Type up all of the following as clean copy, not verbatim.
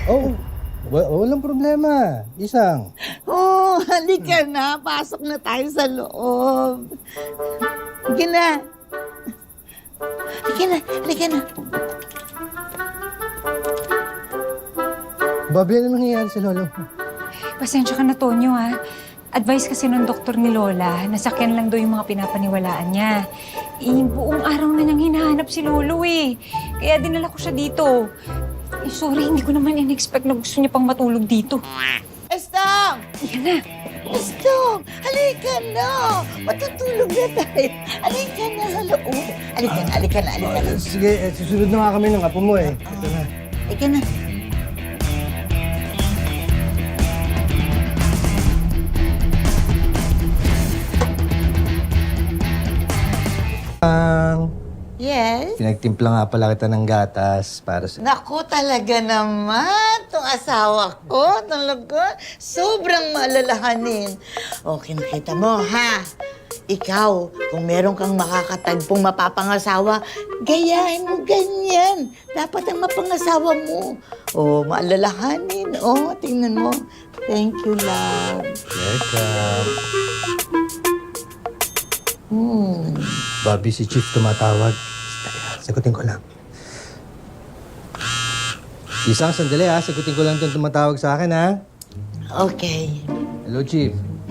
Oh, walang problema. Isang. Oh, halika na. Pasok na tayo sa loob. Halika na. Halika na, halika na. Bobby, ano nangyayari sa lolo? Pasensya ka na, Tonyo, ha? Advice kasi ng doktor ni Lola, nasakyan lang daw yung mga pinapaniwalaan niya. Buong araw na niyang hinahanap si Lolo, eh. Kaya dinala ko siya dito. Sorry, hindi ko naman in-expect na gusto niya pang matulog dito. Estong! Yan na. Estong! Halika na! Matutulog na tayo. Halika na sa loob. Halika na, halika na, halika na. Sige, susunod na nga kami ng apo mo eh. Ito na. Halika na. Yes? Pinagtimpla nga pala kita ng gatas para sa... Naku, talaga naman. Itong asawa ko, talaga, sobrang maalalahanin. Okay, nakita mo, ha? Ikaw, kung meron kang makakatagpong mapapangasawa, gayahin mo ganyan. Dapat ang mapangasawa mo. Oh, maalalahanin. Oh, tingnan mo. Thank you, love. Welcome. Bobby, si Chief tumatawag. Sagutin ko lang. Isang sandali ha. Sagutin ko lang itong tumatawag sa akin ha. Okay. Hello, Chief.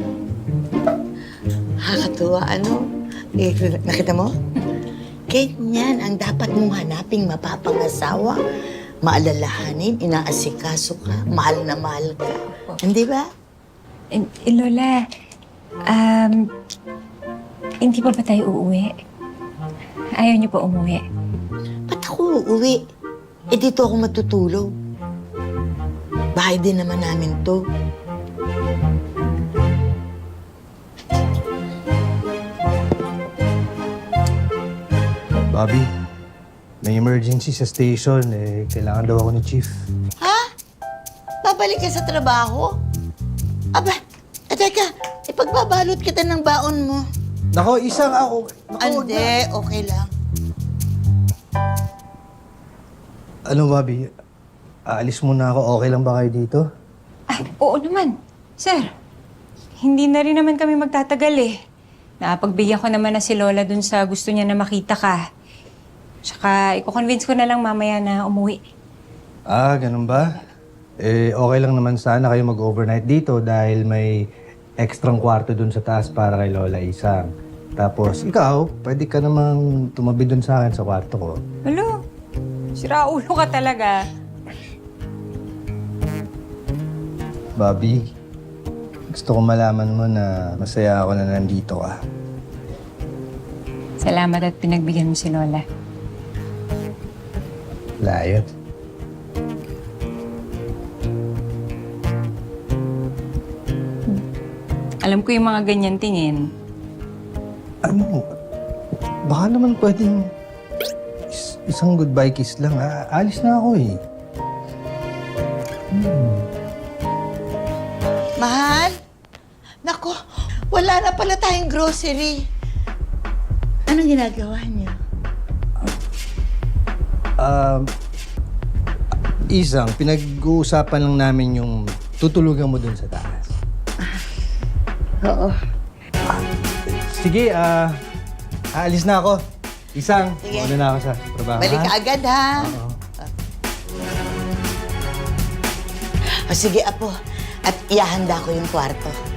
Nakakatuwa, ano? Nakita mo? Ganyan ang dapat mong hanaping mapapangasawa. Maalalahanin, inaasikaso ka, mahal na mahal ka. Hindi ba? Lola, hindi pa ba tayo uuwi? Ayaw niyo pa umuwi? Ba't ako uuwi? Eh, dito ako matutulog. Bahay din naman namin to. Bobby, may emergency sa station. Eh, kailangan daw ako ni Chief. Ha? Babalik ka sa trabaho? Aba, teka, ipagbabalot kita ng baon mo. Nako, isang ako. Ande, okay lang. Ano, Bobby? Aalis muna ako. Okay lang ba kayo dito? Oo naman. Sir, hindi na rin naman kami magtatagal eh. Napagbigyan ko naman na si Lola dun sa gusto niya na makita ka. Tsaka, i-convince ko na lang mamaya na umuwi. Ganun ba? Eh, okay lang naman sana kayo mag-overnight dito dahil may extrang kwarto dun sa taas para kay Lola Isang. Tapos, ikaw, pwede ka namang tumabi dun sa akin sa kwarto ko. Hello? Siraulo ka talaga. Bobby, gusto ko malaman mo na masaya ako na nandito ka. Salamat at pinagbigyan mo si Lola. Layo. Alam ko yung mga ganyan tingin. Ano? Baka naman pwedeng isang goodbye kiss lang. Alis na ako eh. Mahal? Nako, wala na pala tayong grocery. Anong ginagawa niyo? Isang, pinag-uusapan lang namin yung tutulugan mo dun sa taas. Oo. Sige, aalis na ako. Isang, Sige. muna na ako sa trabaho. Balik ka ha? agad, ha? Oo. O sige, Apo. At iahanda ko yung kwarto.